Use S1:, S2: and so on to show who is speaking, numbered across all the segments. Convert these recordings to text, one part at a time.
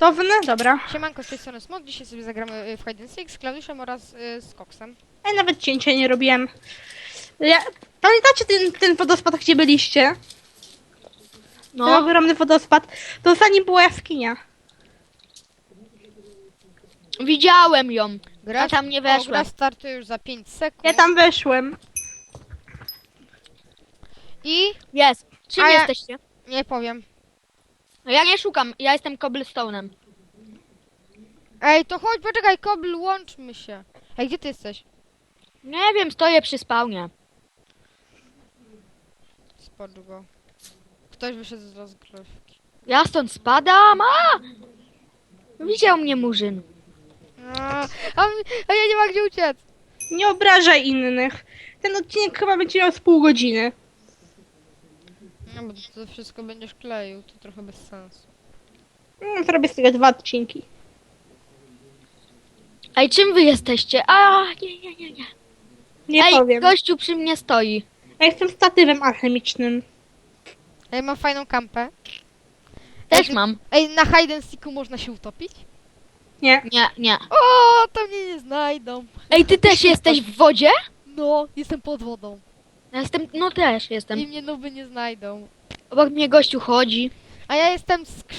S1: Gotowy? Dobra.
S2: Siemanko, z tej strony Smok. Dzisiaj sobie zagramy w Hide and Seek z Klaudiuszem oraz z Koksem.
S1: Ja nawet cięcia nie robiłem. Pamiętacie ten wodospad, gdzie byliście? Ten
S3: No,
S1: ogromny wodospad. To za nim była jaskinia.
S3: widziałem ją. Ja tam nie
S2: Gra
S3: weszłem.
S2: startuje już za 5 sekund.
S1: Ja tam weszłem.
S2: I
S3: Jest. Czym
S2: A ja-
S3: jesteście?
S2: nie powiem.
S3: No ja nie szukam, ja jestem cobblestone'em.
S2: Ej, to chodź, poczekaj, Kobl, łączmy się. Ej, gdzie ty jesteś?
S3: Nie wiem, stoję przy spawnie.
S2: Spocz go. Ktoś wyszedł z rozgrywki.
S3: Ja stąd spadam, Widział mnie murzyn.
S2: A ja nie ma gdzie uciec.
S1: Nie obrażaj innych. Ten odcinek chyba będzie miał z pół godziny.
S2: No bo to wszystko będziesz kleił, to trochę bez sensu.
S1: Zrobię z tego 2 odcinki.
S3: Ej, czym wy jesteście? Nie.
S1: Nie
S3: Ej,
S1: powiem.
S3: gościu przy mnie stoi.
S1: Ja jestem statywem alchemicznym.
S2: Ej, mam fajną kampę.
S3: Też mam.
S2: Ej, na Hide and Seeku można się utopić?
S1: Nie.
S3: Nie.
S2: O, to mnie nie znajdą.
S3: Ej, ty też jesteś w wodzie?
S2: No, jestem pod wodą.
S3: No też
S2: I
S3: jestem.
S2: mnie nowy nie znajdą.
S3: Obok mnie gościu chodzi.
S2: A ja jestem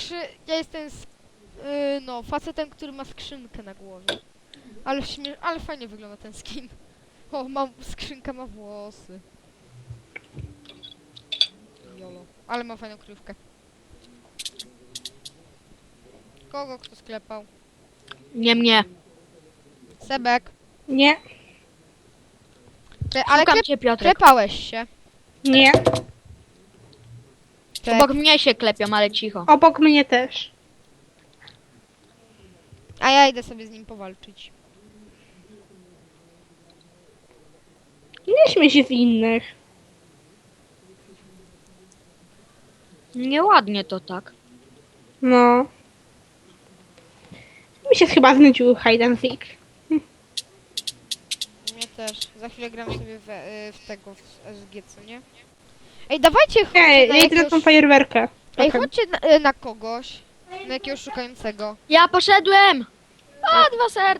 S2: no, facetem, który ma skrzynkę na głowie. Ale fajnie wygląda ten skin. O, skrzynka ma włosy. Jolo. Ale ma fajną kryjówkę. Kogo kto sklepał?
S3: Nie mnie.
S2: Sebek.
S1: Nie.
S2: Ale
S3: Szukam cię, Piotrek.
S2: klepałeś się.
S1: Nie.
S3: Obok mnie się klepią, ale cicho.
S1: Obok mnie też.
S2: A ja idę sobie z nim powalczyć.
S1: Nie śmiej się z innych.
S3: Nieładnie to tak.
S1: No. Mi się chyba znudził Hide and Seek.
S2: Mnie też. Za chwilę gram sobie w SG, co nie? Ej, dawajcie chodźcie
S1: Ej,
S2: na
S1: ja idę na tą fajerwerkę.
S2: Ej,
S1: Trochę.
S2: chodźcie na kogoś. Na jakiegoś szukającego.
S3: Ja poszedłem! 2 ser...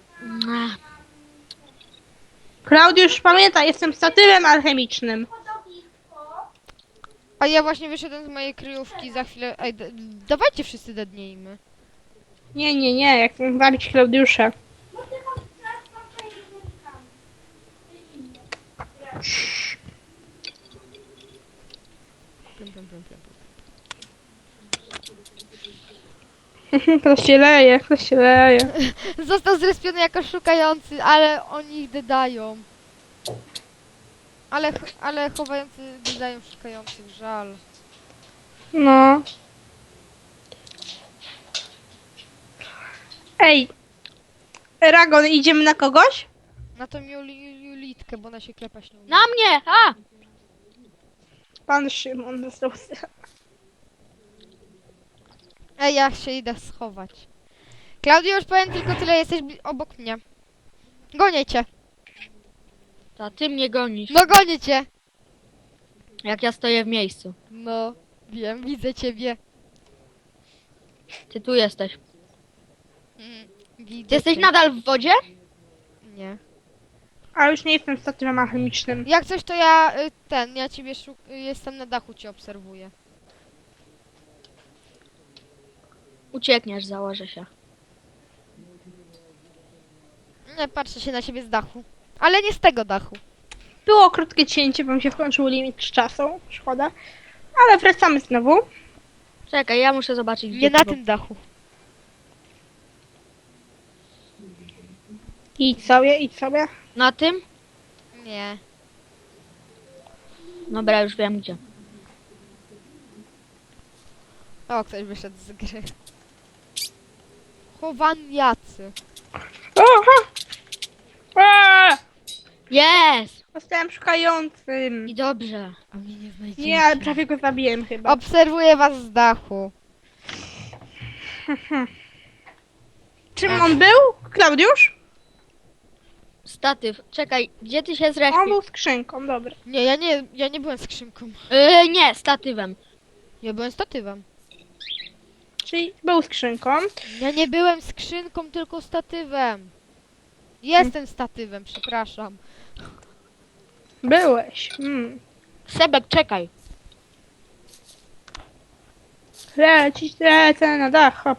S1: Klaudiusz, pamiętaj, jestem statywem alchemicznym.
S2: A ja właśnie wyszedłem z mojej kryjówki za chwilę. Ej, dawajcie wszyscy dedniejmy.
S1: Nie, jak chcę walić Klaudiusza. Ktoś się leje.
S2: Został zrespiony jako szukający, ale oni ich dodają. Ale chowający dodają szukających, żal.
S1: No. Ej. Eragon, idziemy na kogoś?
S2: Na tą Julitkę, bo ona się klepać nie umie.
S3: Na mnie!
S1: Pan Szymon został.
S2: Ej, ja się idę schować. Klaudio, już powiem tylko tyle, jesteś obok mnie. Gonię cię.
S3: To ty mnie gonisz,
S2: No gonię cię.
S3: jak ja stoję w miejscu.
S2: No, wiem, widzę ciebie.
S3: Ty tu jesteś.
S2: Widzę
S3: Ty jesteś
S2: cię.
S3: nadal w wodzie?
S2: Nie.
S1: A już nie jestem statywem alchemicznym.
S2: Jak coś to ja ciebie jestem na dachu, cię obserwuję.
S3: Uciekniesz, założę się.
S2: Nie, patrzę się na siebie z dachu. Ale nie z tego dachu.
S1: Było krótkie cięcie, bo mi się wkończył limit czasu. Szkoda. Ale wracamy znowu.
S3: Czekaj, ja muszę zobaczyć, gdzie
S2: Nie
S3: ty
S2: na
S3: był.
S2: tym dachu.
S1: Idź sobie.
S3: Na tym?
S2: Nie.
S3: Dobra, już wiem gdzie.
S2: O, ktoś wyszedł z gry. Chowaniacy.
S1: Oha! Eee!
S3: Jest!
S1: Zostałem szukającym.
S3: I dobrze.
S2: A mnie nie znajdziecie.
S1: Nie, ale prawie go zabiłem chyba.
S2: Obserwuję was z dachu.
S1: Czym on był? Klaudiusz?
S3: Statyw. Czekaj, gdzie ty się
S1: On
S3: zrespił?
S1: był skrzynką, dobra.
S2: Nie, ja nie byłem skrzynką.
S3: Nie, statywem.
S2: Ja byłem statywem.
S1: Czyli był skrzynką.
S2: Ja nie byłem skrzynką, tylko statywem. Jestem statywem, przepraszam.
S1: Byłeś.
S3: Sebek, czekaj.
S1: Lecę na dach, hop.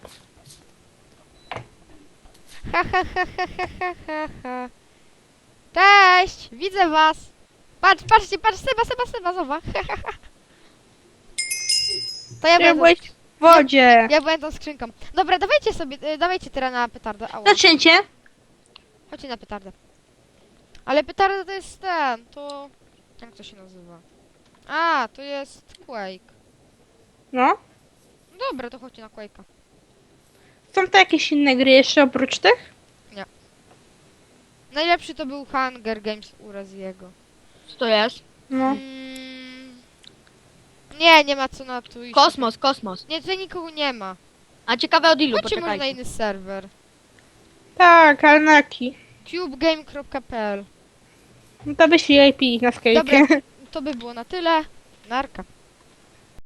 S2: Ha, ha, ha, ha, ha, ha, ha, ha. Cześć! Widzę was! Patrzcie, Seba, zobacz. To
S1: Ja byłeś w wodzie.
S2: ja byłem tą skrzynką. Dobra, dawajcie teraz na petardę. Ała.
S1: Zaczęcie.
S2: Chodźcie na petardę. Ale petarda to jest to... Jak to się nazywa? A, to jest Quake.
S1: No.
S2: Dobra, to chodźcie na Quake'a.
S1: Są to jakieś inne gry jeszcze oprócz tych?
S2: Najlepszy to był Hunger Games u Raziego.
S3: Co to jest?
S1: No.
S2: Nie ma co na tu iść.
S3: Kosmos.
S2: Nie, tutaj nikogo nie ma.
S3: A ciekawe od ilu,
S2: Chodźcie może na
S3: poczekajcie.
S2: inny serwer.
S1: Tak, ale na jaki?
S2: cubegame.pl.
S1: No to wyślij IP na Skype.
S2: Dobra, to by było na tyle. Narka.